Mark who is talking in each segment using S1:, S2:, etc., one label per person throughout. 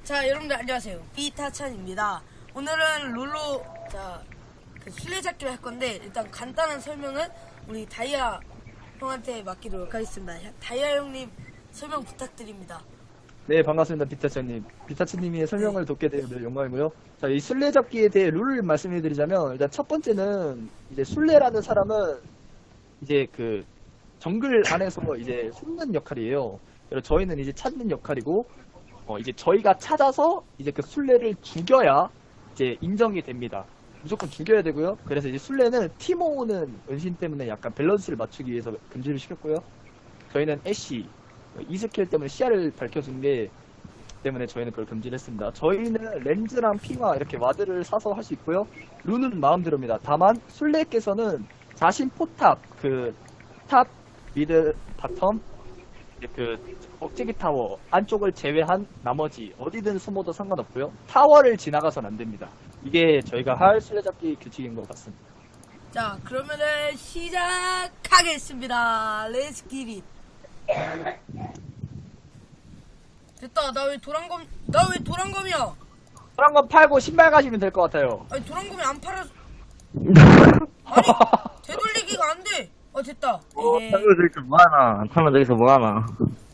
S1: 자, 여러분들 안녕하세요. 이타찬입니다. 오늘은 롤로 술래잡기를 할 건데 일단 간단한 설명은 우리 다이아 형한테 맡기도록 하겠습니다. 다이아 형님 설명 부탁드립니다.
S2: 네, 반갑습니다. 비타차님. 비타차님이 설명을 돕게 되어 영광이고요. 자, 이 술래잡기에 대해 룰을 말씀해드리자면, 일단 첫 번째는, 이제 술래라는 사람은, 이제 그, 정글 안에서 이제 숨는 역할이에요. 그리고 저희는 이제 찾는 역할이고, 이제 저희가 찾아서, 이제 그 술래를 죽여야, 이제 인정이 됩니다. 무조건 죽여야 되고요. 그래서 이제 술래는 티모는 은신 때문에 약간 밸런스를 맞추기 위해서 금지를 시켰고요. 저희는 애쉬, 이 스킬 때문에 시야를 밝혀준 게 때문에 저희는 그걸 금지를 했습니다. 저희는 렌즈랑 핑화 이렇게 와드를 사서 할 수 있고요. 룬은 마음대로입니다. 다만 술래께서는 자신 포탑, 탑, 미드, 바텀, 억제기 타워 안쪽을 제외한 나머지 어디든 숨어도 상관없고요. 타워를 지나가선 안 됩니다. 이게 저희가 할 술래잡기 규칙인 것 같습니다.
S1: 자, 그러면은 시작하겠습니다. Let's get it. 됐다. 나 왜 도란검이야?
S2: 그런 거 팔고 신발 가시면 될 것 같아요.
S1: 아니, 도란검이 안 팔아. 아니, 되돌리기가 안 돼. 됐다.
S3: 타면 저기서 뭐하나? 타면 저기서 뭐하나?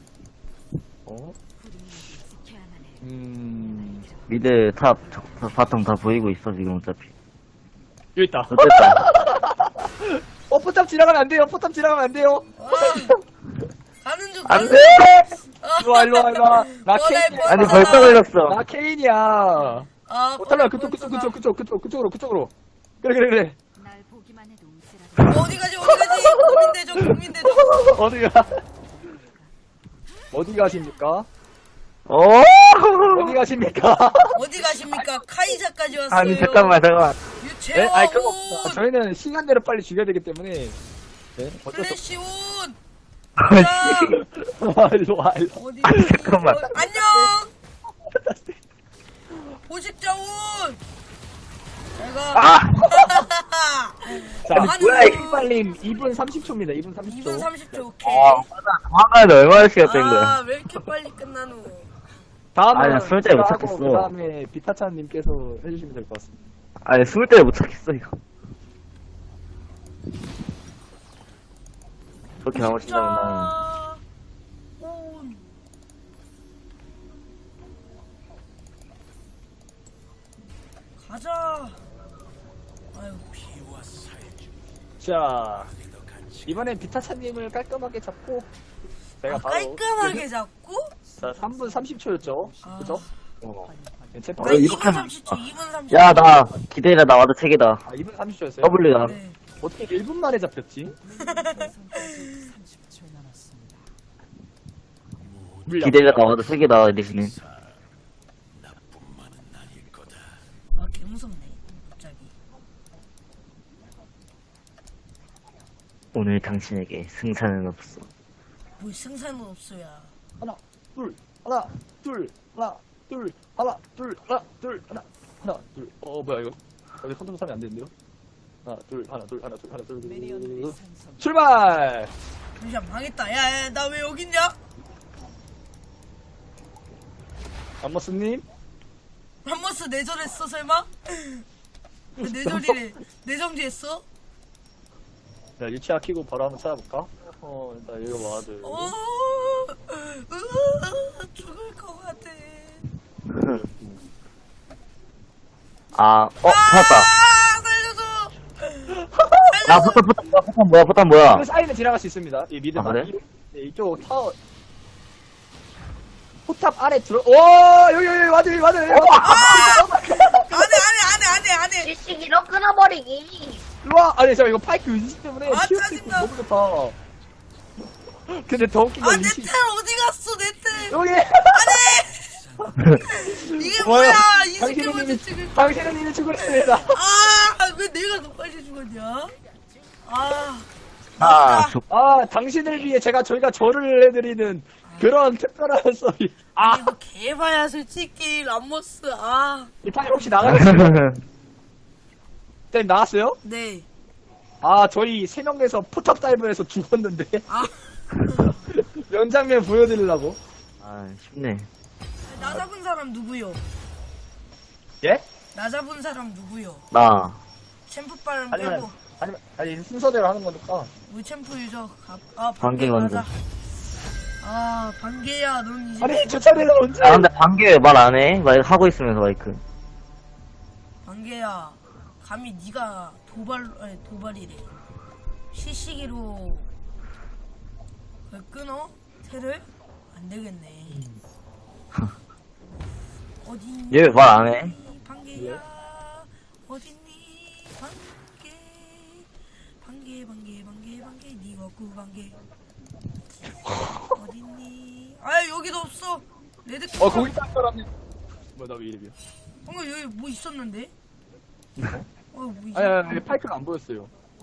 S3: 미드, 탑, 바텀 다 보이고 있어 지금 어차피.
S2: 여기 있다.
S3: 어쨌다.
S2: 포탑 지나가면 안 돼요. 포탑 지나가면 안 돼요.
S1: 가는 중.
S3: 안 돼!
S2: 일로와. 나 케인이야.
S3: 아니 벌써 걸렸어.
S2: 나 케인이야. 탈라 그쪽으로. 그래.
S1: 어디 가지? 고민되죠.
S2: 어디 가십니까?
S3: 오!
S1: 어디 가십니까? 카이사까지 왔어요.
S3: 아니 잠깐만.
S2: 네?
S1: 유채원.
S2: 아니 그거 저희는 시간대로 빨리 죽여야 되기 때문에. 네? 어쩔 수
S1: 플래시온.
S2: 없어. 일로와.
S1: 어디?
S3: 아니, 잠깐만.
S1: 안녕. 보식자원. 내가.
S2: 자,
S1: 아니,
S3: 뭐야, 이게.
S2: 빨림 2분 30초입니다. 2분 30초.
S1: 2분 30초. 오케이.
S3: 화가도 얼마나 시간 된 거야?
S1: 왜 이렇게 빨리 끝나노?
S2: 다음에
S3: 아니, 나 숨을 때못 찾겠어.
S2: 그 다음에 비타찬님께서 해주시면 될 것 같습니다.
S3: 아니 숨을 때를 못 찾겠어 이거. 그렇게 나오신다면 나는.
S1: 온. 가자. 아유,
S2: 자, 이번엔 비타찬님을 깔끔하게 잡고 제가 바로
S1: 깔끔하게 잡고?
S2: 자, 3분 30초였죠? 그죠? 괜찮다.
S1: 아,
S3: 이렇게
S1: 2분
S3: 하면-
S1: 30초, 2분 30초.
S3: 야 나 기대라 나 와도 책이다.
S2: 2분 30초였어요?
S3: W다.
S1: 네.
S2: 어떻게 1분 만에 잡혔지?
S3: 기대라 나 와도 책이다 리신이.
S1: 개무섭네, 갑자기.
S3: 오늘 당신에게 승산은 없어.
S1: 뭐 승산은 없어야.
S2: 하나, 둘. 뭐야 이거? 여기 손톱 사면 안 되는데요? 하나, 둘. 출발!
S1: 잠시만, 망했다. 야, 나 왜 여기 있냐?
S2: 안머스님?
S1: 람머스 내절했어, 설마? 왜 내절이래? 내정지했어?
S2: 자, 유치아 키고 바로 한번 찾아볼까? 일단 여기 와드.
S1: 죽을 것 같아.
S3: 찾았다.
S1: 살려줘!
S3: 아, 포탄 뭐야?
S2: 그 사이는 지나갈 수 있습니다. 이 미드
S3: 그래?
S2: 네, 이쪽 타워. 포탑 아래 들어. 여기 와드.
S1: 안해.
S4: 지식이로 끊어버리기.
S2: 일로와. 아니, 이거 파이크 의식 때문에 키울 수 있고
S1: 짜증나.
S2: 너무 좋다. 근데 더 웃긴 건
S1: 내
S2: 의식.
S1: 텔 어디 갔어, 내 텔?
S2: 여기!
S1: 이게 뭐야? 이 새끼
S2: 당신은
S1: 먼저
S2: 이미,
S1: 찍을.
S2: 당신은 이미 죽었습니다.
S1: 왜 내가 더 빨리 죽었냐?
S2: 당신을 위해 저희가 절을 해드리는 그런 특별한 소리.
S1: 이거 개봐야 솔직히 람머스.
S2: 이 파일 혹시 나가겠어요? 쌤 나왔어요?
S1: 네.
S2: 저희 3명에서 포탑 다이브에서 죽었는데. 명장면 보여드리려고.
S3: 쉽네.
S1: 나 잡은 사람 누구요?
S2: 예?
S1: 나 잡은 사람 누구요?
S3: 나.
S1: 챔프빨
S2: 아니면
S1: 빼고
S2: 아니 순서대로 하는 거니까.
S1: 우리 챔프 유저 아
S3: 반개
S1: 반개
S3: 건드.
S1: 맞아. 아 반개야 넌 이제
S2: 아니 저 차례는 언제?
S3: 아, 근데 반개 왜 말 안 해? 말 하고 있으면서 마이크.
S1: 반개야 감히 네가 도발이래 시시기로 왜 끊어? 테를? 안 되겠네. 어딨니?
S3: 얘 왜 말 안 해?
S1: 반개야 어딨니? 반개 니가 구 반개 어딨니? 아 여기도 없어. 레드
S2: 거기 딱 사람이. 뭐나 왜 이름이야?
S1: 방금 여기 뭐 있었는데? 뭐
S2: 아니 파이크가 안 보였어요.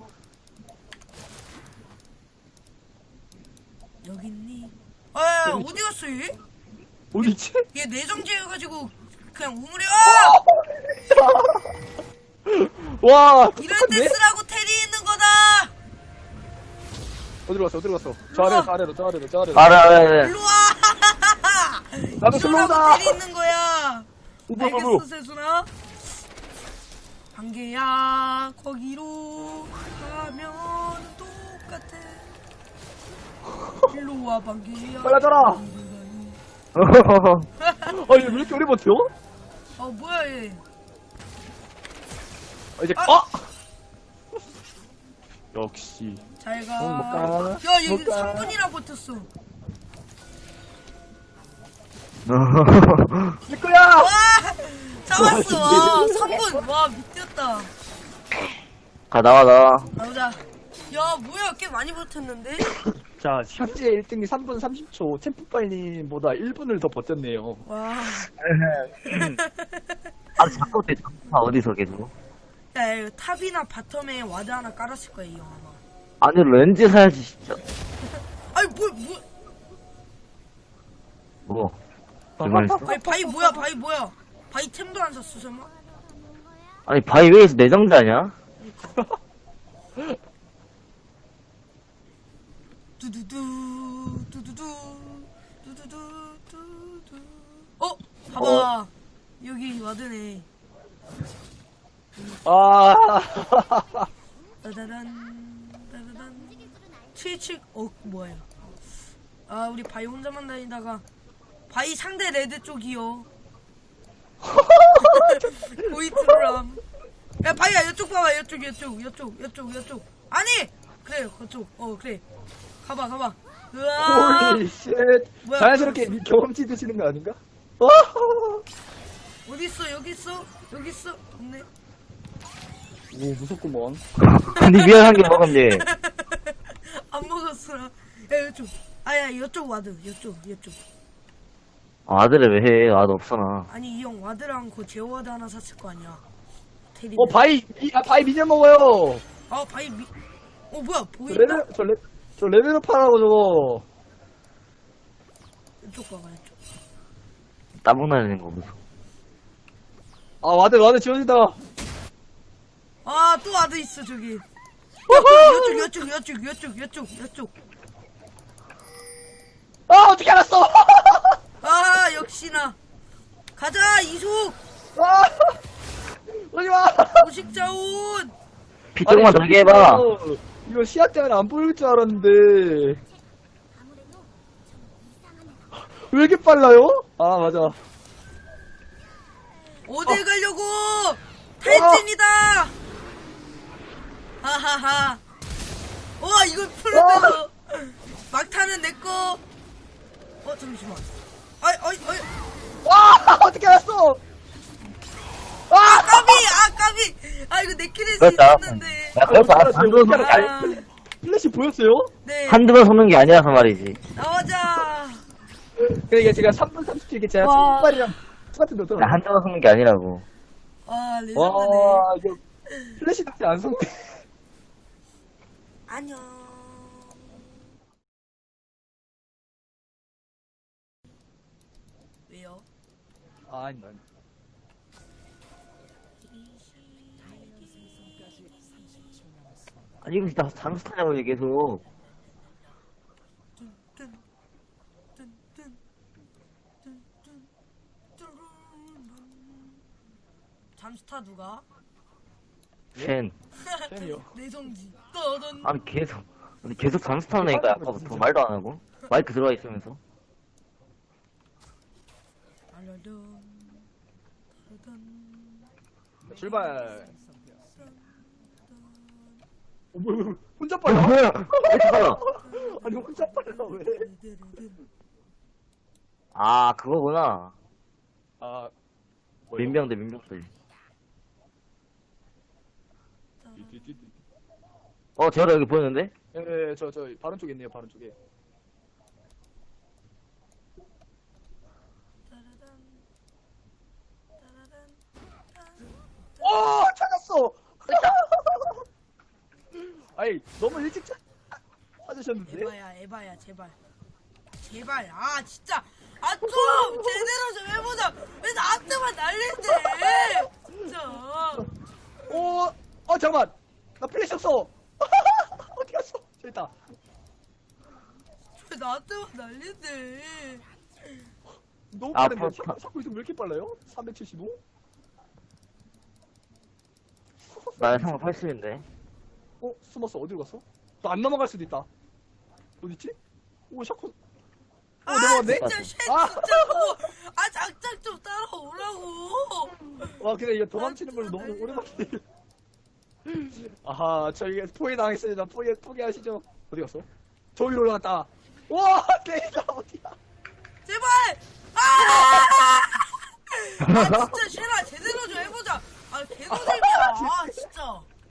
S1: 여기 있니? 아
S2: 여기
S1: 어디 갔어 얘?
S2: 어디 있지?
S1: 얘 내정지여가지고 그냥 우물에
S2: 와
S1: 이럴 때
S2: 똑똑한데?
S1: 쓰라고 테리 있는 거다.
S2: 어디로 갔어? 저 아래로 저 아래로.
S3: 말해.
S1: 일로 와.
S2: 나도
S1: 이러라고
S2: 슬로우다.
S1: 테리 있는 거야. 알겠어 세순아. 반개야 거기로 가면 똑같아. 일로 와 반개야.
S2: 빨라져라. 아니 왜 이렇게 오래 버텨?
S1: 뭐야 얘.
S2: 이제
S1: 아!
S2: 역시.
S1: 잘 가.
S2: 못 가.
S1: 야, 얘
S2: 못 가.
S1: 3분이나 버텼어.
S2: 내 거야.
S1: 와! 잡았어. 와, 3분. 와, 미쳤다.
S3: 가, 나와.
S1: 나오자. 야, 뭐야, 꽤 많이 버텼는데?
S2: 자 현재 1등이 3분 30초. 템프빨님보다 1분을 더 버텼네요.
S1: 와.
S3: 아, 자꾸 내 다 어디서 계속.
S1: 야, 이거 탑이나 바텀에 와드 하나 깔았을 거야, 이 형 아마.
S3: 아니, 렌즈 사야지, 진짜.
S1: 아니,
S3: 뭐. 불만 있어?
S1: 아니, 바이 뭐야? 바이 템도 안 샀어, 설마?
S3: 아니, 바이웨이에서 내정자냐?
S1: 두두두. 봐봐. 여기 와드네.
S2: 아.
S1: 따다단 77 뭐야. 아 우리 바이 혼자만 다니다가 바이 상대 레드 쪽이요. 보이트람. 야 바이야 이쪽 봐봐 이쪽 아니 그래 그쪽 그래 가봐 으아
S2: 홀리 쉣.
S1: 뭐야,
S2: 자연스럽게 경험치 드시는 거 아닌가?
S1: 어딨어 여기 있어 없네.
S2: 오 무섭구먼.
S3: 니 미안한 게 먹은 게.
S1: 안 먹었어. 야 이쪽 아야 이쪽 와드 이쪽
S3: 아들을 왜 해? 아들 없어, 나.
S1: 아니 이 형 와드랑 그 제어 와드 하나 샀을 거 아니야. 테리.
S2: 바이 미녀 먹어요.
S1: 바이 뭐야 보인다?
S2: 저 레벨업 하라고 저거.
S1: 이쪽 봐봐 이쪽.
S3: 따봉 날리는 거 무서워.
S2: 아 와드 지원이다.
S1: 또 와드 있어 저기. 이쪽.
S2: 아 어떻게 알았어?
S1: 역시나. 가자 이속.
S2: 아 오지마.
S1: 오식자온.
S3: 피 조금만 더 해봐.
S2: 이거 시야 때문에 안 보일 줄 알았는데 왜 이렇게 빨라요? 아 맞아.
S1: 어딜 가려고? 탈진이다. 하하하. 와 이걸 풀어내서 막타는 내꺼. 잠시만. 어이.
S2: 와 어떻게 알았어?
S1: 까비. 이거 내킬 할수
S3: 그렇다.
S1: 있었는데.
S3: 야, 그래서 한두 번 쏘는 게 아니,
S1: 아,
S2: 플래시 보였어요?
S1: 네.
S3: 한두 번 쏘는 게 아니라서 말이지.
S1: 나오자.
S2: 그래 이게 제가 3분 30초 이게 제가
S1: 와.
S2: 신발이랑 똑같은 거죠?
S3: 나 한두 번 쏘는 게 아니라고.
S1: 레전드네.
S2: 와 이거 플래시 닥치 안 쏜대.
S1: 안녕. 왜요?
S2: 아니다.
S3: 아니, 이거 진짜 장수 타냐고, 이게 계속.
S1: 잠스타 누가?
S3: 쉔.
S2: 팬이요.
S1: 내성지. 떠던.
S3: 아니, 계속 잠수타는 애가 아까부터 말도 안 하고. 마이크 들어가 있으면서.
S1: 알려던. 떠던.
S2: 출발. 뭐야, 혼자
S3: 어,
S2: 빨라?
S3: 뭐야? 왜 이렇게 빨라?
S2: 아니, 혼자 빨라, 왜?
S3: 아, 그거구나.
S2: 아,
S3: 민병대, 민병대. 제가 여기 보이는데?
S2: 예, 저, 바른 쪽에 있네요, 바른 쪽에. 찾았어! 아이, 너무 일찍 찾으셨는데?
S1: 에바야, 제발. 제발, 아, 진짜. 아, 좀! 제대로 좀 해보자! 왜 나한테만 난리인데! 진짜.
S2: 잠깐만! 나 플래시 없어! 어디 갔어? 저기 있다.
S1: 왜 나한테만 난리인데!
S2: 너무
S3: 아,
S2: 빠른데?
S3: 파-
S2: 자꾸 이동 왜 이렇게 빨라요? 375?
S3: 나 상황 80인데.
S2: 숨었어. 어디로 갔어? 너 안 넘어갈 수도 있다. 어딨지? 오, 샤코.
S1: 아,
S2: 넘어갔네?
S1: 진짜, 쉣,
S2: 아.
S1: 진짜, 그거. 아, 장작 좀 따라오라고!
S2: 와, 근데 이거 도망치는 걸로 너무 오랜만에. 아하, 저희가 포기 당했습니다. 포기하시죠. 어디 갔어? 저 위로 올라갔다. 와, 내가 어디야?
S1: 제발! 아! 아, 진짜, 쉐라, 제대로 좀 해보자! 아, 개노잼이야! 아, 진짜.